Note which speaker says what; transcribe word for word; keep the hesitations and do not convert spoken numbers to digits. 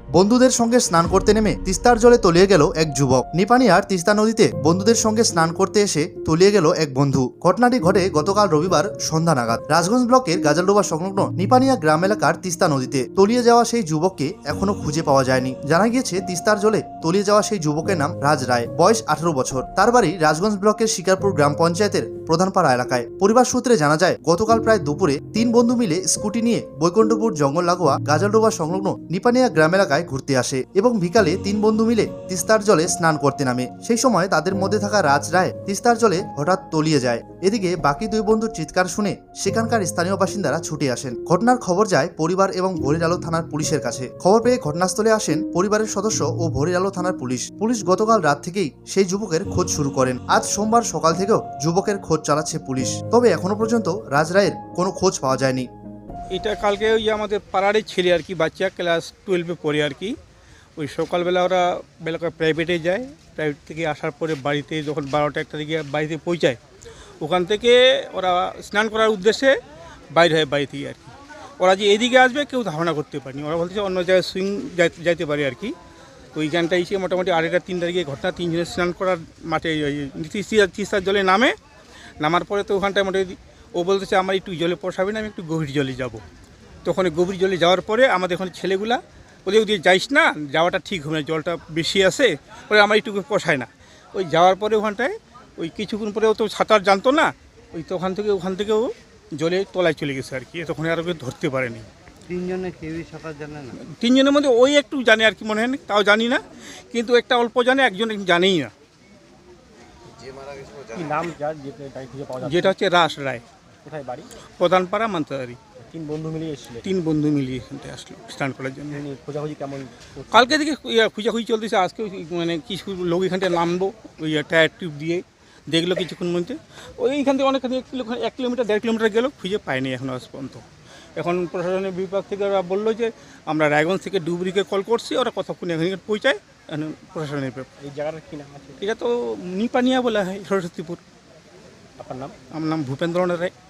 Speaker 1: বন্ধুদের সঙ্গে স্নান করতে নেমে তিস্তার জলে তলিয়ে গেল এক যুবক। নিপানিয়ার তিস্তা নদীতে বন্ধুদের সঙ্গে স্নান করতে এসে তলিয়ে গেল এক বন্ধু। ঘটনাটি ঘটে গতকাল রবিবার সন্ধ্যা নাগাদ রাজগঞ্জ ব্লকের গাজলডোবা সংলগ্ন নিপানিয়া গ্রাম এলাকার তিস্তা নদীতে তলিয়ে যাওয়া সেই যুবককে এখনো খুঁজে পাওয়া যায়নি। জানা গিয়েছে তিস্তার জলে তলিয়ে যাওয়া সেই যুবকের নাম রাজ রায়, বয়স আঠারো বছর। তার বাড়ি রাজগঞ্জ ব্লকের শিকারপুর গ্রাম পঞ্চায়েতের প্রধানপাড়া এলাকায়। পরিবার সূত্রে জানা যায়, গতকাল প্রায় দুপুরে তিন বন্ধু মিলে স্কুটি নিয়ে বৈকুণ্ঠপুর জঙ্গল লাগোয়া গাজলডোবা সংলগ্ন নিপানিয়া গ্রাম এলাকায় ঘুরতে আসে এবং বিকালে তিন বন্ধু মিলে তিস্তার জলে স্নান করতে নামে। সেই সময় তাদের মধ্যে থাকা রাজ রায় তিস্তার জলে হঠাৎ তলিয়ে যায়। এদিকে বাকি দুই বন্ধুর চিৎকার শুনে সেখানকার স্থানীয় বাসিন্দারা ছুটে আসেন। ঘটনার খবর যায় পরিবার এবং ভোরের আলো থানার পুলিশের কাছে। খবর পেয়ে ঘটনাস্থলে আসেন পরিবারের সদস্য ও ভোরের আলো থানার পুলিশ। পুলিশ গতকাল রাত থেকেই সেই যুবকের খোঁজ শুরু করেন। আজ সোমবার সকাল থেকেও যুবকের খোঁজ চালাচ্ছে পুলিশ, তবে এখনো পর্যন্ত রাজ রায়ের কোনো খোঁজ পাওয়া যায়নি।
Speaker 2: এটা কালকে ওই আমাদের পাড়ারই ছেলে আর কি, বাচ্চা ক্লাস টুয়েলভে পড়ে আর কি। ওই সকালবেলা ওরা বেলা প্রাইভেটে যায়, প্রাইভেট থেকে আসার পরে বাড়িতে যখন বারোটা একটা দিকে বাড়িতে পৌঁছায়, ওখান থেকে ওরা স্নান করার উদ্দেশ্যে বাইরে হয় বাড়ি থেকে আর কি। ওরা যে এদিকে আসবে কেউ ধারণা করতে পারেনি। ওরা বলছে অন্য জায়গায় সুইং যাইতে পারে আর কি। তো ওইখানটা এসে মোটামুটি আড়াইটা তিন তারিখে ঘটনা, তিনজনের স্নান করার মাঠে তিস্তার জলে নামে। নামার পরে তো ওখানটায় মোটামুটি ও বলতেছে আমার একটু জলে পোষাবে না, আমি একটু গভীর জলে যাব। তখন গভীর জলে যাওয়ার পরে আমাদের ওখানে ছেলেগুলা ওদের ওদিকে যাইস না, যাওয়াটা ঠিক হবে না, জলটা বেশি আসে, ওই আমার একটু পোষায় না। ওই যাওয়ার পরে ওখানটায় ওই কিছুক্ষণ পরে ও তো সাঁতার জানতো না, ওই তো ওখান থেকে ওখান থেকেও জলে তলায় চলে গেছে আর কি। তখন আর ওকে ধরতে পারেনি।
Speaker 3: তিনজনে কেউই সাঁতার জানে না?
Speaker 2: তিনজনের মধ্যে ওই একটু জানে আর কি, মনে হয় তাও জানি না, কিন্তু একটা অল্প জানে, একজন জানেই না। যেটা হচ্ছে রাস রায়,
Speaker 4: কোথায় বাড়ি?
Speaker 2: প্রধানপাড়া মান্তাদারি।
Speaker 4: তিন বন্ধু মিলিয়ে এসেছিল?
Speaker 2: তিন বন্ধু মিলিয়ে এখানটায় আসলো স্নান করার জন্য।
Speaker 4: খোঁজাখুঁজি কেমন?
Speaker 2: কালকে থেকে খুঁজাখুঁজি চলতেছে, আজকে মানে কিছু লোক এখানটায় নামবো ওই টায়ার টিউব দিয়ে দেখলো কিছুক্ষণ মধ্যে। ওই এইখান থেকে অনেকখানি এক কিলো এক কিলোমিটার দেড় কিলোমিটার গেল, খুঁজে পায়নি এখন আজ পর্যন্ত। এখন প্রশাসনের বিভাগ থেকে ওরা বললো যে আমরা রায়গঞ্জ থেকে ডুবরিকে কল করছি, ওরা কতক্ষণ এখানে পৌঁছায় প্রশাসনের ব্যাপার।
Speaker 4: এই জায়গাটার কী নাম আছে?
Speaker 2: এটা তো নিপানিয়া বলা হয়, সরস্বতীপুর।
Speaker 4: আপনার নাম?
Speaker 2: আমার নাম ভূপেন্দ্রনাথ রায়।